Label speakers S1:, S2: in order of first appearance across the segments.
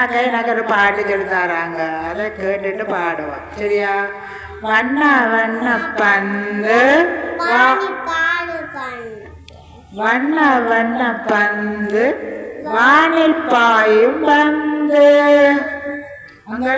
S1: எனக்கு ஒரு பாட்டு சொல்லி தராங்க, அதை கேட்டுட்டு பாடுவோம். சரியா? வண்ண வண்ண பந்து வண்ண வண்ண பந்து வானில் பாயும் பந்து. அங்கே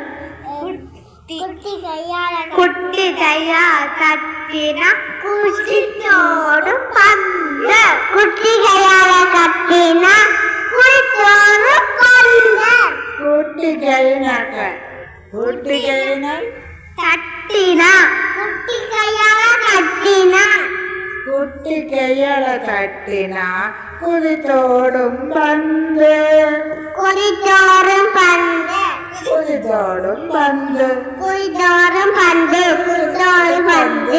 S2: குட்டி கையால் கட்டின குச்சித்தோடு பந்து. குட்டி கையால கட்டின குச்சித்தோடு பந்து.
S1: குட்டி கையினாக்க குட்டி கையினால்
S2: கட்டினா. குட்டி கையால கட்டினா.
S1: குட்டி கையால கட்டினா குதித்தோடும் பந்து.
S2: குதித்தோடும் பந்து.
S1: குதித்தோடும் பந்து.
S2: குதித்தோடும் பந்து. குதித்தோடும் பந்து.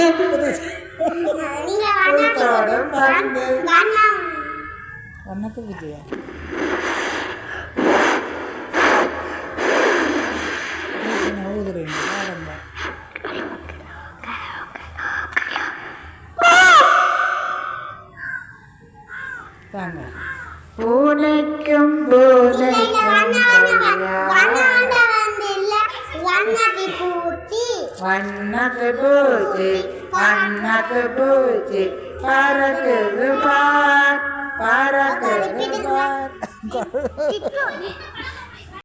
S1: குதித்தோடும் பந்து. வண்ணத்து விஜயா பூனைக்கும் பூனைக்கும் வண்ணத்து பூச்சி வண்ணத்து பூச்சி பறக்குது பார் பறக்குது பார்.